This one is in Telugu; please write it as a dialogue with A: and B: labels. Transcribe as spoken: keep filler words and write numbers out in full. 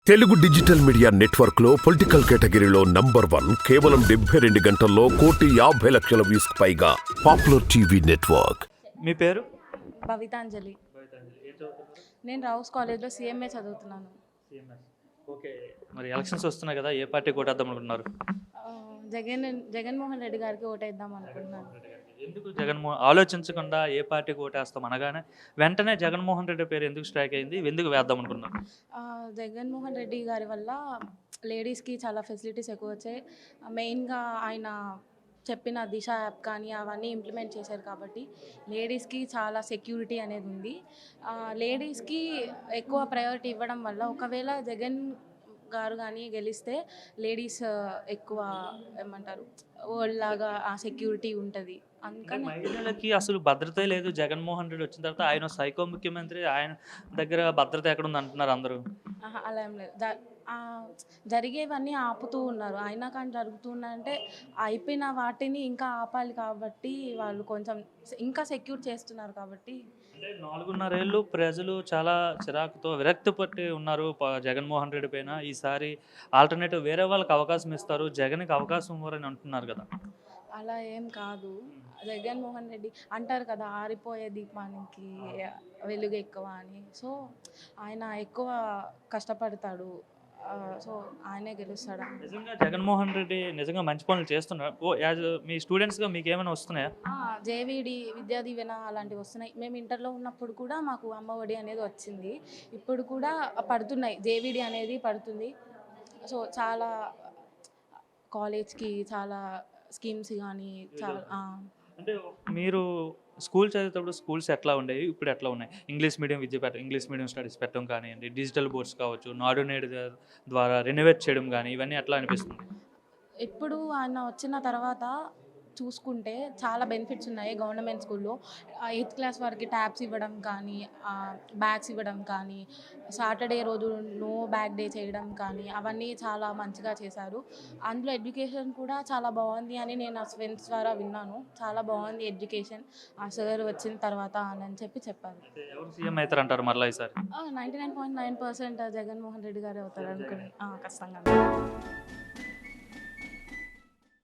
A: తెలుగు డిజిటల్ మీడియా నెట్వర్క్ లో పొలిటికల్ కేటగిరీలో నంబర్ వన్ కేవలం డెబ్బై రెండు గంటల్లో కోటి యాభై లక్షల వ్యూస్ పైగా పాపులర్ టీవీ నెట్వర్క్.
B: మీ పేరు?
C: భవితాంజలి. నేను రౌస్ కాలేజ్లో సిఎంఏ చదువుతున్నాను.
B: ఓకే, మరి ఎలక్షన్స్ వస్తున్నాయి కదా, ఏ పార్టీ ఓటేద్దాం అనుకుంటున్నారు?
C: ఆ, జగన్ జగన్మోహన్ రెడ్డి గారికి ఓటేద్దాం అనుకుంటున్నాను.
B: ఎందుకు జగన్మోహన్ ఆలోచించకుండా ఏ పార్టీకి ఓటేస్తాం అనగానే వెంటనే జగన్మోహన్ రెడ్డి పేరు ఎందుకు స్ట్రైక్ అయింది, ఎందుకు వేద్దాం అనుకున్నారు?
C: ఆ, జగన్మోహన్ రెడ్డి గారి వల్ల లేడీస్కి చాలా ఫెసిలిటీస్ ఎక్కువ వచ్చాయి. మెయిన్గా ఆయన చెప్పిన దిశ యాప్ కానీ అవన్నీ ఇంప్లిమెంట్ చేశారు కాబట్టి లేడీస్కి చాలా సెక్యూరిటీ అనేది ఉంది. ఆ, లేడీస్కి ఎక్కువ ప్రయారిటీ ఇవ్వడం వల్ల ఒకవేళ జగన్ గారు కానీ గెలిస్తే లేడీస్ ఎక్కువ ఏమంటారు వరల్డ్ లాగా ఆ సెక్యూరిటీ ఉంటుంది. అందుకని
B: మహిళలకి అసలు భద్రతే లేదు. జగన్మోహన్ రెడ్డి వచ్చిన తర్వాత ఆయన సైకో ముఖ్యమంత్రి, ఆయన దగ్గర భద్రత ఎక్కడ ఉంది అంటున్నారు అందరూ.
C: ఆహా, అలా ఏం లేదు. జ- ఆ, జరిగేవన్నీ ఆపుతూ ఉన్నారు. అయినా కానీ జరుగుతున్నాయంటే అయిపోయిన వాటిని ఇంకా ఆపాలి కాబట్టి వాళ్ళు కొంచెం ఇంకా సెక్యూర్ చేస్తున్నారు కాబట్టి.
B: అంటే నాలుగున్నరేళ్ళు ప్రజలు చాలా చిరాకుతో విరక్తి పట్టి ఉన్నారు ప- జగన్మోహన్ రెడ్డి పైన. ఈసారి ఆల్టర్నేటివ్ వేరే వాళ్ళకి అవకాశం ఇస్తారు, జగన్కి అవకాశం ఇవ్వరని అంటున్నారు కదా.
C: అలా ఏం కాదు. జగన్మోహన్ రెడ్డి అంటారు కదా, ఆరిపోయే దీపానికి వెలుగు ఎక్కువ అని. సో ఆయన ఎక్కువ కష్టపడతాడు. ఆ, సో ఆయనే గెలుస్తాడు.
B: నిజంగా జగన్మోహన్ రెడ్డి నిజంగా మంచి పనులు చేస్తున్నారు. ఓ యాజ్ మీ స్టూడెంట్స్గా మీకు ఏమైనా వస్తున్నాయా?
C: జేవిడి విద్యా దీవెన అలాంటివి వస్తున్నాయి. మేము ఇంటర్లో ఉన్నప్పుడు కూడా మాకు అమ్మ ఒడి అనేది వచ్చింది. ఇప్పుడు కూడా పడుతున్నాయి, జేవిడి అనేది పడుతుంది. సో చాలా కాలేజ్కి చాలా స్కీమ్స్ కానీ చాలా ఆ.
B: అంటే మీరు స్కూల్ చదివేటప్పుడు స్కూల్స్ ఎట్లా ఉండేవి, ఇప్పుడు ఎట్లా ఉన్నాయి? ఇంగ్లీష్ మీడియం విద్య పెట్ట ఇంగ్లీష్ మీడియం స్టడీస్ పెట్టడం కానివ్వండి, డిజిటల్ బోర్డ్స్ కావచ్చు, నాడు నేడు ద్వారా రెనోవేట్ చేయడం కానీ, ఇవన్నీ ఎట్లా అనిపిస్తుంది?
C: ఇప్పుడు ఆయన వచ్చిన తర్వాత చూసుకుంటే చాలా బెనిఫిట్స్ ఉన్నాయి. గవర్నమెంట్ స్కూల్లో ఎయిత్ క్లాస్ వరకు ట్యాబ్స్ ఇవ్వడం కానీ, బ్యాగ్స్ ఇవ్వడం కానీ, సాటర్డే రోజు నో బ్యాగ్ డే చేయడం కానీ అవన్నీ చాలా మంచిగా చేశారు. అందులో ఎడ్యుకేషన్ కూడా చాలా బాగుంది అని నేను నా ఫ్రెండ్స్ ద్వారా విన్నాను. చాలా బాగుంది ఎడ్యుకేషన్ ఆ సార్ వచ్చిన తర్వాత అని చెప్పి చెప్పారు.
B: అయితే ఎవరు సీఎం అవుతారు అంటారు మరలా ఈసారి?
C: Ninety nine point nine percent Jaganmohan Reddy గారు అవుతారు అనుకుని ఖచ్చితంగా.